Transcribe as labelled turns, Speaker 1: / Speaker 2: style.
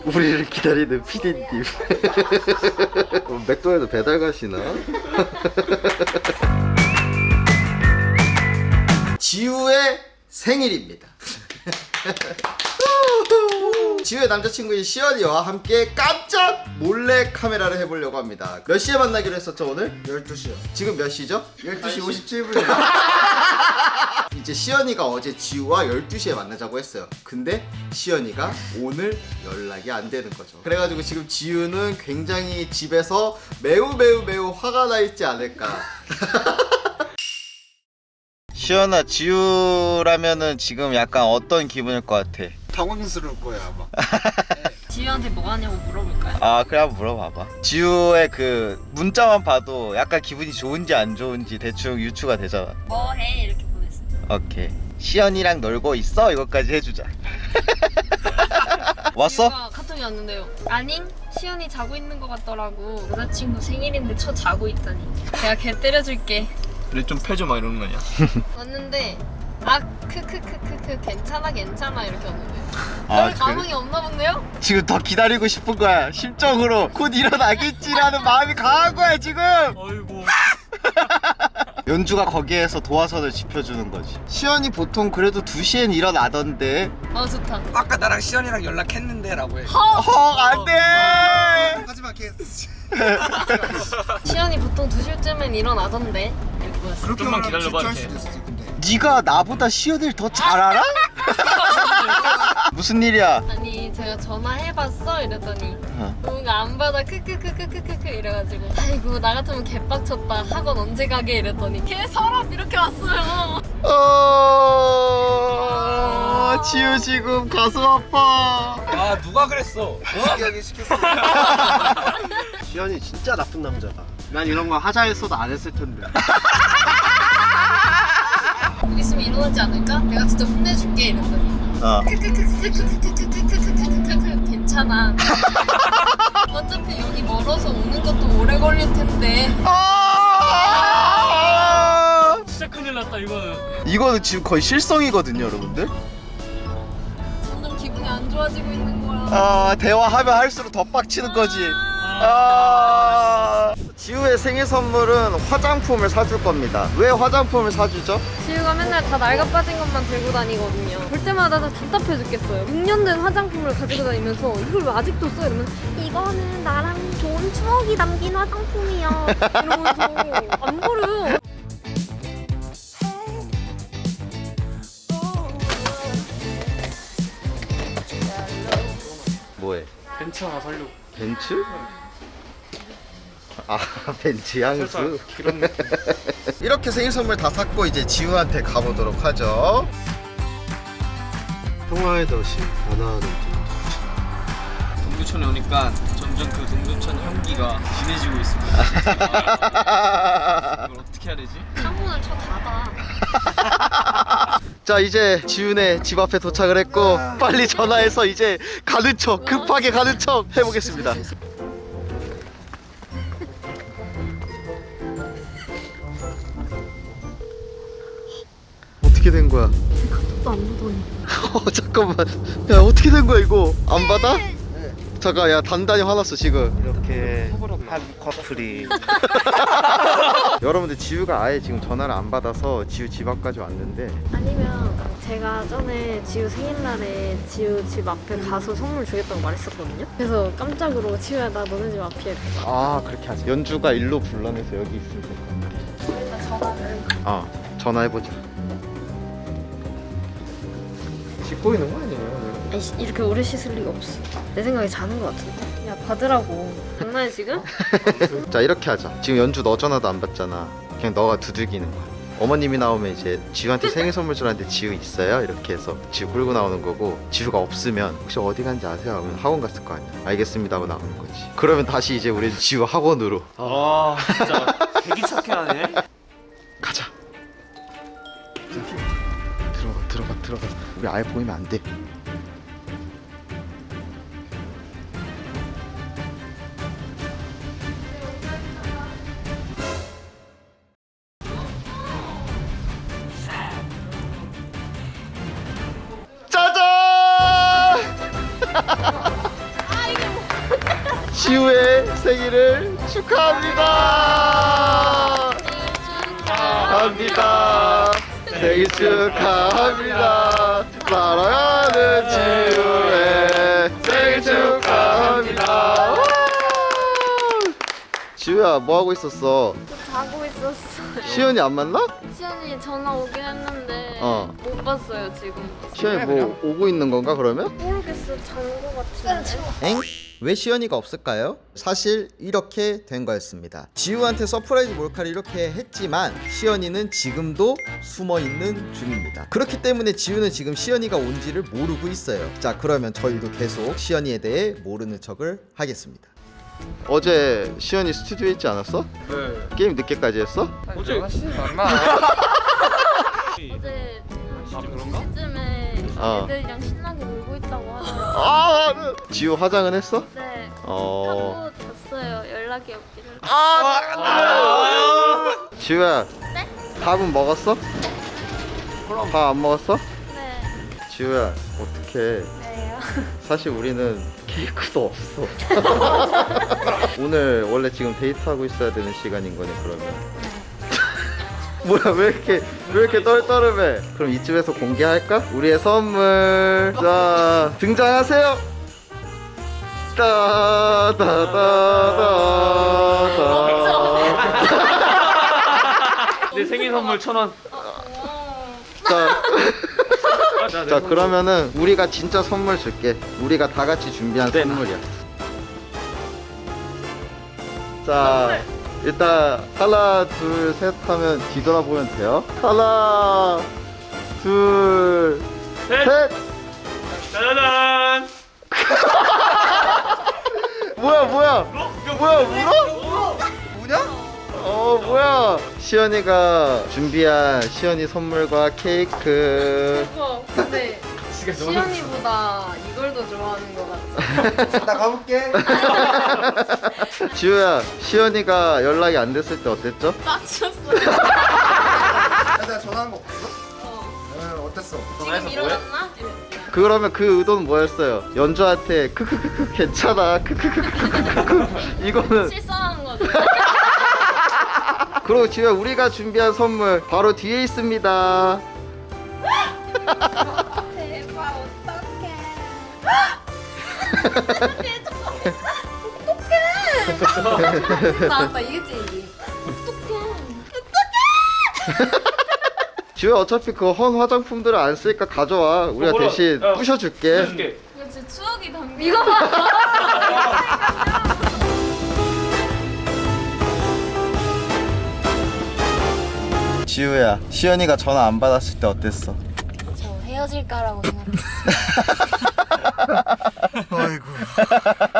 Speaker 1: 우리를 기다리는 피디님. 맥도날드 배달 가시나? 지우의 생일입니다. 지우의 남자친구인 시연이와 함께 깜짝 몰래 카메라를 해보려고 합니다. 몇 시에 만나기로 했었죠 오늘?
Speaker 2: 12시요.
Speaker 1: 지금 몇 시죠?
Speaker 2: 12시 57분이요.
Speaker 1: 이제 시연이가 어제 지우와 12시에 만나자고 했어요. 근데 시연이가 오늘 연락이 안 되는 거죠. 그래가지고 지금 지우는 굉장히 집에서 매우 화가 나 있지 않을까. 시연아, 지우라면은 지금 약간 어떤 기분일 것 같아?
Speaker 2: 당황스러울 거야 아마.
Speaker 3: 지우한테 뭐 하냐고 물어볼까요?
Speaker 1: 아, 그래 한번 물어봐봐. 지우의 그 문자만 봐도 약간 기분이 좋은지 안 좋은지 대충 유추가 되잖아.
Speaker 3: 뭐해? 이렇게 보냈어요.
Speaker 1: 오케이. 시연이랑 놀고 있어? 이것까지 해주자. 왔어?
Speaker 3: 지우가 카톡이 왔는데요. 아님, 시연이 자고 있는 것 같더라고. 여자친구 생일인데 쳐 자고 있다니. 내가 걔 때려줄게.
Speaker 4: 그래 좀 패줘 막 이러는 거 아니야?
Speaker 3: 왔는데 아 크크크크크 괜찮아 이렇게 왔는데.
Speaker 1: 아,
Speaker 3: 별
Speaker 1: 그래?
Speaker 3: 감흥이 없나 본데요?
Speaker 1: 지금 더 기다리고 싶은 거야. 심적으로 곧 일어나겠지라는 마음이 강한 거야 지금.
Speaker 4: 어이구.
Speaker 1: 연주가 거기에서 도화선을 지펴주는 거지. 시연이 보통 그래도 2시엔 일어나던데.
Speaker 3: 아 좋다.
Speaker 2: 아까 나랑 시연이랑 연락했는데 라고 해.
Speaker 1: 안돼.
Speaker 2: 하지만 걔
Speaker 3: 시연이 보통 2시쯤엔 일어나던데. 이렇게 보냈어.
Speaker 2: 그렇게
Speaker 4: 좀만
Speaker 2: 말하면
Speaker 4: 기다려봐,
Speaker 2: 질투할
Speaker 4: 이렇게.
Speaker 2: 수도 있어 근데.
Speaker 1: 네가 나보다 시연을 더 잘 알아? 무슨 일이야?
Speaker 3: 아니 제가 전화해봤어 이랬더니
Speaker 1: 어.
Speaker 3: 뭔가 안 받아 크크크크크크크 이래가지고 아이고 나 같으면 개빡쳤다 학원 언제 가게 이랬더니 걔 서랍 이렇게 왔어요.
Speaker 1: 지우 지금 가슴 아파.
Speaker 4: 아 누가 그랬어?
Speaker 2: 특이하게 시켰어.
Speaker 1: 시연이 진짜 나쁜 남자다. 난 이런 거 하자 했어도 안 했을 텐데.
Speaker 3: 곧 있으면 일어나지 않을까? 내가 진짜 혼내줄게 이랬더니 크크크크크크크크크크크크크크크 괜찮아. 어차피 여기 멀어서 오는 것도 오래 걸릴 텐데.
Speaker 4: 진짜 큰일 났다 이거는.
Speaker 1: 이거는 지금 거의 실성이거든요, 여러분들.
Speaker 3: 점점 기분이 안 좋아지고 있는 거야.
Speaker 1: 대화하면 할수록 더 빡치는 거지. 지우의 생일 선물은 화장품을 사줄 겁니다. 왜 화장품을 사주죠?
Speaker 3: 지우가 맨날 다 낡아 빠진 것만 들고 다니거든요. 볼 때마다 다 답답해 죽겠어요. 6년 된 화장품을 가지고 다니면서 이걸 왜 아직도 써? 이러면 이거는 나랑 좋은 추억이 담긴 화장품이야 이러면서 안 버려요.
Speaker 1: 뭐해?
Speaker 4: 벤츠 하나 살려고.
Speaker 1: 벤츠? 아, 벤츠 향수.
Speaker 4: 살짝 그런 느낌.
Speaker 1: 이렇게 생일 선물 다 샀고 이제 지우한테 가보도록 하죠. 평화의 도시 변화하는
Speaker 4: 동두천에 오니까 점점 그 동두천 향기가 진해지고 있습니다. 이걸 어떻게 해야 되지?
Speaker 3: 창문을 쳐 닫아.
Speaker 1: 자, 이제 지훈의 집 앞에 도착을 했고 빨리 전화해서 이제 가는 척, 급하게 가는 척 해보겠습니다. 어떻게 된 거야?
Speaker 3: 또 안 보더니.
Speaker 1: 잠깐만. 야, 어떻게 된 거야 이거? 안 받아? 잠깐, 야, 단단히 화났어 지금. 이렇게 한 커플이. 여러분들, 지우가 아예 지금 전화를 안 받아서 지우 집 앞까지 왔는데.
Speaker 3: 아니면 제가 전에 지우 생일날에 지우 집 앞에 가서 선물 주겠다고 말했었거든요. 그래서 깜짝으로 지우야 나 너네 집 앞이야 이렇게.
Speaker 1: 아, 그렇게 하자. 연주가 일로 불러내서 여기 있으면 될 것 같아.
Speaker 3: 일단 전화를.
Speaker 1: 전화해보자. 씻고 있는 거 아니에요?
Speaker 3: 아니 이렇게 오래 씻을 리가 없어. 내 생각에 자는 거 같은데. 야 받으라고. 장난해 지금?
Speaker 1: 자, 이렇게 하자. 지금 연주 너 전화도 안 받잖아. 그냥 너가 두들기는 거야. 어머님이 나오면 이제 지우한테 생일 선물 주라는데 지우 있어요? 이렇게 해서 지우 끌고 나오는 거고, 지우가 없으면 혹시 어디 간지 아세요? 하면 학원 갔을 거 아니야. 알겠습니다 하고 나오는 거지. 그러면 다시 이제 우리 지우 학원으로
Speaker 4: 아 진짜 되게 착해 하네.
Speaker 1: 가자. 들어가. 우리 아예 보이면 안 돼. 짜잔! 지우의 생일을 축하합니다. 축하합니다. 생일 축하합니다. 사랑하는 지우의 생일 축하합니다. 와! 지우야 뭐 하고 있었어?
Speaker 3: 자고 있었어요.
Speaker 1: 시연이 안 만나?
Speaker 3: 시연이 전화 오긴 했는데 못 봤어요 지금.
Speaker 1: 시연이 뭐 오고 있는 건가 그러면?
Speaker 3: 모르겠어. 잔 거 같은데.
Speaker 1: 엥? 왜 시연이가 없을까요? 사실 이렇게 된 거였습니다. 지우한테 서프라이즈 몰카를 이렇게 했지만 시연이는 지금도 숨어있는 중입니다. 그렇기 때문에 지우는 지금 시연이가 온지를 모르고 있어요. 자, 그러면 저희도 계속 시연이에 대해 모르는 척을 하겠습니다. 어제 시연이 스튜디오에 있지 않았어?
Speaker 4: 네.
Speaker 1: 게임 늦게까지 했어?
Speaker 4: 어제
Speaker 2: 하시지 말마.
Speaker 3: 어제
Speaker 4: 아 그런가?
Speaker 3: 2시쯤에
Speaker 1: 어.
Speaker 3: 애들이랑 신나게 놀고 있다고 하더라고요.
Speaker 1: 아, 지우 화장은 했어?
Speaker 3: 네.
Speaker 1: 어.
Speaker 3: 하고 잤어요. 연락이 없기를.
Speaker 1: 지우야,
Speaker 3: 네?
Speaker 1: 밥은 먹었어? 밥 안 먹었어?
Speaker 3: 네.
Speaker 1: 지우야, 어떡해.
Speaker 3: 네요.
Speaker 1: 사실 우리는 케이크도 없어. 오늘 원래 지금 데이트하고 있어야 되는 시간인 거네 그러면. 뭐야 왜 이렇게 떨떠름해? 그럼 이쯤에서 공개할까? 우리의 선물. 자, 등장하세요. 따다다다다.
Speaker 4: 내 생일 선물 1,000원.
Speaker 1: 자, 자 그러면은 우리가 진짜 선물 줄게. 우리가 다 같이 준비한
Speaker 4: 네.
Speaker 1: 선물이야. 자, 일단 하나 둘 셋 하면 뒤돌아보면 돼요. 하나 둘
Speaker 4: 셋.
Speaker 1: 셋.
Speaker 4: 짜잔.
Speaker 1: 뭐야 물어?
Speaker 2: 뭐냐?
Speaker 1: 뭐야? 시연이가 준비한 시연이 선물과 케이크.
Speaker 3: 근데 시연이보다 이걸 더 좋아하는 것 같아.
Speaker 2: 나 가볼게.
Speaker 1: 지우야, 시연이가 연락이 안 됐을 때 어땠죠?
Speaker 3: 빡쳤어.
Speaker 2: 내가 전화한 거 봤어? 어땠어?
Speaker 3: 지금 일어났나? 이랬지.
Speaker 1: 그러면 그 의도는 뭐였어요? 연주한테 크크크크 괜찮아 크크크크크크 이거는.
Speaker 3: 실수하는 거지.
Speaker 1: 그리고 지우야, 우리가 준비한 선물 바로 뒤에 있습니다.
Speaker 3: 대박 어떡해. 어떡해. 나왔다 이게 찐이지.
Speaker 1: 지우야, 어차피 그 헌 화장품들을 안 쓰니까 가져와. 우리가
Speaker 4: 뭐라?
Speaker 1: 대신
Speaker 4: 야,
Speaker 1: 부셔줄게.
Speaker 4: 해줄게.
Speaker 3: 이거 진짜 추억이 담겨. 이거 봐.
Speaker 1: 지우야, 시연이가 전화 안 받았을 때 어땠어?
Speaker 3: 저 헤어질까라고 생각했어.
Speaker 2: 아이고.